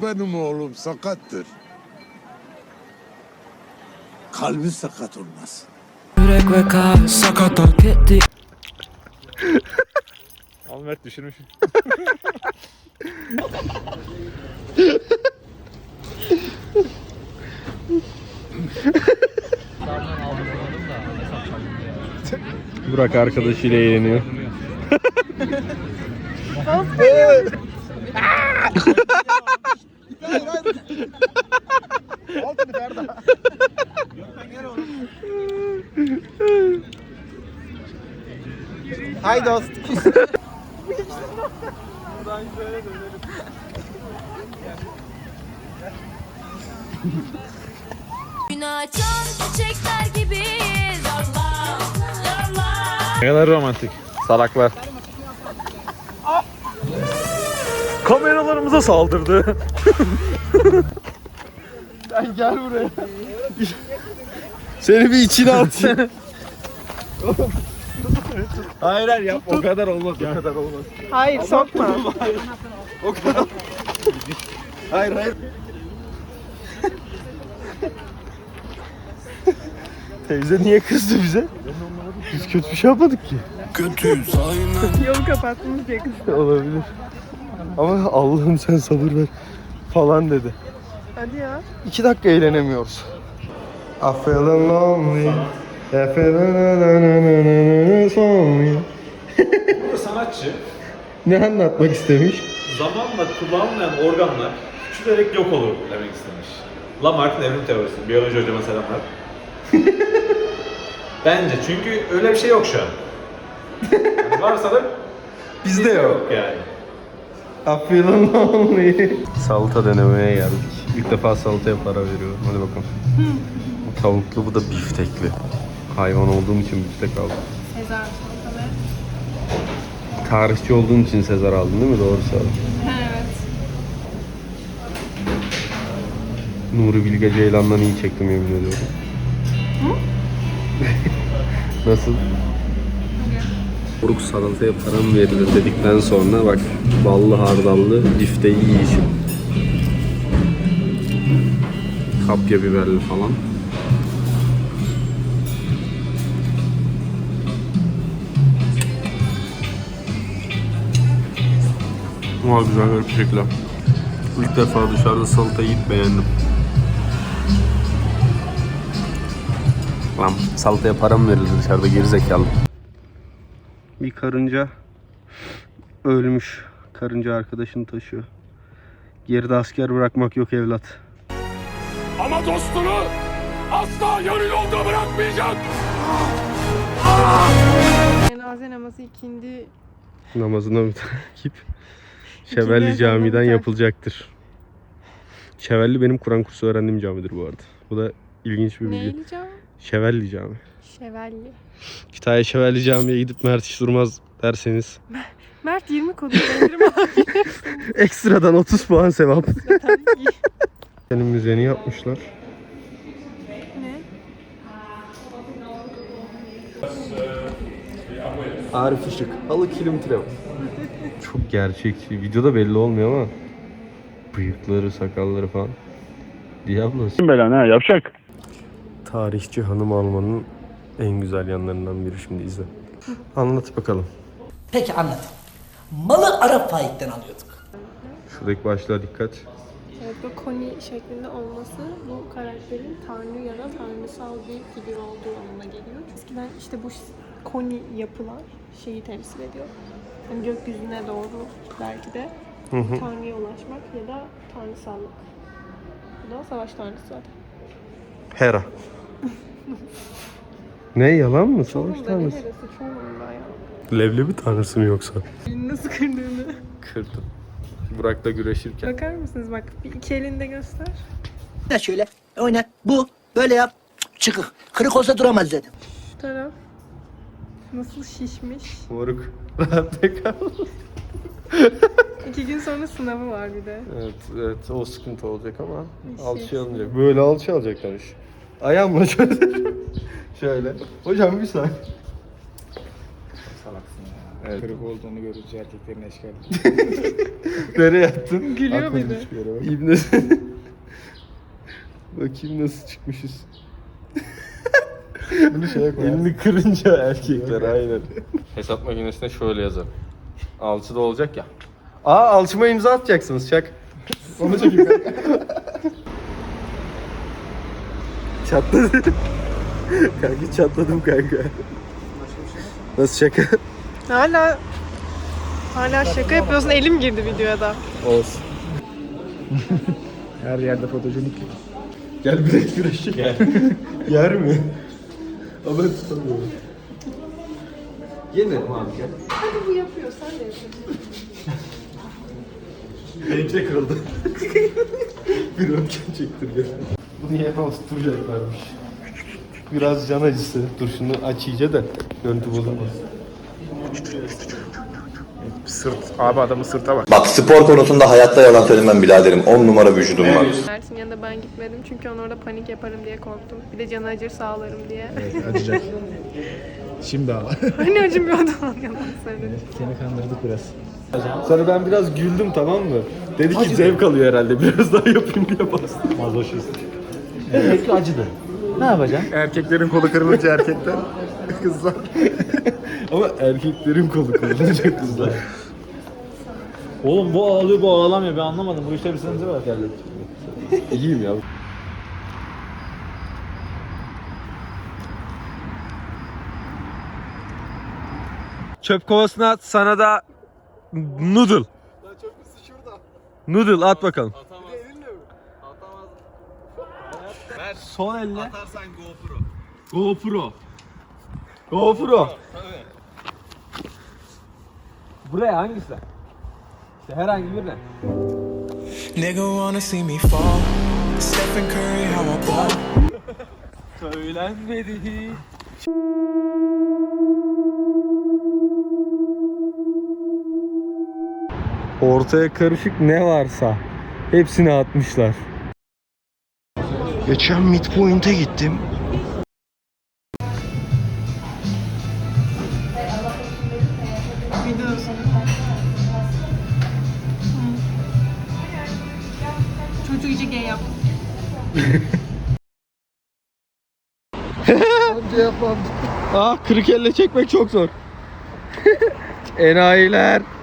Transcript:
benim oğlum sakattır. Kalbi sakat olmasın. Yürek ve kalp sakat ol gitti. Al Mert düşürmüş. Burak arkadaşıyla eğleniyor. Hay dost. Gün açan çiçekler gibiyiz. Allah, Allah. Ne kadar romantik. Salaklar. Kameralarımıza saldırdı. Sen gel buraya. Seni bir içine atayım. Hayır hayır yap. O kadar olmaz. O kadar olmaz. Hayır sokma. O kadar. Hayır hayır. Teyze niye kızdı bize? Biz kötü bir şey yapmadık ki. Kötüyüz aynen. Yolu kapattınız diye kızım. Olabilir. Ama Allah'ım sen sabır ver falan dedi. Hadi ya. 2 dakika eğlenemiyoruz. I feeling lonely. I feeling lonely. Bu sanatçı Ne anlatmak istemiş? zamanla kullanılmayan organlar küçülerek yok olur demek istemiş. Lamarck'ın evrim teorisi. Biyoloji hocama selamlar. Bence çünkü öyle bir şey yok şu an. Yani varsa da Bizde yok. yani. I feeling lonely. Salata denemeye geldik. İlk defa salataya para veriyorum. Hadi bakalım. Bu tavuklu, bu da biftekli. Hayvan olduğum için biftek aldım. Sezar salatalı. Tarihçi olduğum için Sezar aldın değil mi? Doğru söyledin. Evet. Nuri Bilge Ceylan'dan iyi çektim yemin ediyorum. Nasıl? Buruk salataya para mı verilir dedikten sonra bak ballı hardallı bifteyi yiyişim. Kapya biberli falan. Ama güzel bir şekilde. İlk defa dışarıda salata yiyip beğendim. Lan salataya para mı verilir dışarıda gerizekalı? Bir karınca ölmüş. Karınca arkadaşını taşıyor. Geride asker bırakmak yok evlat. Ama dostunu asla yarı yolda bırakmayacak. Cenaze namazı ikindi. Namazına bir takip Şevelli İkindi Camii'den ezanı yapılacaktır. Şevelli benim Kur'an kursu öğrendiğim camidir bu arada. Bu da ilginç bir bilgi. Neyli cami? Şevelli Cami. Şevalli. Kütahya Şevelli Camii'ye gidip Mert hiç durmaz derseniz Mert 20 kodu indirim alabilirsin. ekstradan 30 puan sevap. Tabii ki. Senin müzeni yapmışlar. Ne? Arif Işık. Halı kilometre. Çok gerçekçi. Videoda belli olmuyor ama bıyıkları, sakalları falan. Diablos. Kim belan ha yapacak. Tarihçi hanım almanın en güzel yanlarından biri, şimdi izle. Anlat bakalım. Peki anlat. Malı Arap faikten alıyorduk. Şuradaki başlığa dikkat. Evet, bu koni şeklinde olması bu karakterin tanrı ya da tanrısal bir figür olduğu anlamına geliyor. Eskiden işte bu koni yapılar şeyi temsil ediyor. Yani gökyüzüne doğru belki de tanrıya ulaşmak ya da tanrısallık. Bu da savaş tanrısı zaten. Hera. Ne yalan mı? Savaş Çoğunun da ne tanrısı. herası çoğunun da ya. Leblebi tanrısı mı yoksa? Elini nasıl kırdığını. Kırdım. Burak'la güreşirken. Bakar mısınız bak bir iki elinde göster. Ya şöyle oynat bu böyle yap çıkık. Kırık olsa duramaz dedim. Şu taraf nasıl şişmiş. Moruk. Rahatta kal. 2 gün sonra sınavı var bir de. Evet, evet o sıkıntı olacak ama İşte. alçı alınacak. Böyle alçı alacaklar iş. Ayağımla şöyle. Şöyle. Hocam bir saniye. Salaksın ya. Evet. Kırık olduğunu görünce erkeklerin eşkali. Nereye attın? Gülüyor muydu? İbne. Bakayım nasıl çıkmışız. Bunu şeye koyar. Elini kırınca erkekler aynen. Hesap makinesine şöyle yazar. Alçıda olacak ya. Alçıma imza atacaksınız çak. Onu çekeyim kanka. Çatladı. Kanka çatladım kanka. Nasıl şaka? Hala şaka yapıyorsun. Elim girdi videoya da. Olsun. Her yerde fotojenik. Gel bilek güreşi. Gel. Yer mi? Ama ben tutamıyorum. Yenerim abi gel. Hadi bu yapıyor. Sen de yapıyorsun. Benimki de kırıldı. Bir röntgen çektir gel. Bunu niye oturacaklarmış? Biraz can acısı. Dur şunu aç iyice de görüntü bozulmaz. Sırt. Abi adamın sırta bak. Bak spor konusunda hayatta yalan söylemem biraderim. 10 numara vücudum var. Mert'in yanında ben gitmedim çünkü onu orada panik yaparım diye korktum. Bir de canı acır sağlarım diye. Evet acıyacak. Şimdi ağla. Hani acımıyordu lan yalan söyledim. Seni kandırdık biraz. Sonra ben biraz güldüm tamam mı? Dedi ki zevk alıyor herhalde. Biraz daha yapayım diye bastım. Mazoşist. Demek ki acıdı. Ne yapacaksın? Erkeklerin kolu kırılınca erkekler. Kızlar. Ama erkeklerin kolu kırılacak kızlar. Oğlum bu ağlıyor bu ağlamıyor ben anlamadım. Bu işte bir sıkıntı var. İyiyim ya. Çöp kovasına at, sana da noodle. Noodle at bakalım. Atamaz. Atamaz. Son elle. Atarsan GoPro. GoPro. Tabii. Buraya hangisi? İşte herhangi birine. Nigga wanna see me fall. Stephen Curry, how I ball. Söylenmedi hiç. Ortaya karışık ne varsa hepsini atmışlar. Geçen midpoint'e gittim. Videosun. Çocuğu iyice gay yap. Önce yapmam. Kırık elle çekmek çok zor. Enayiler.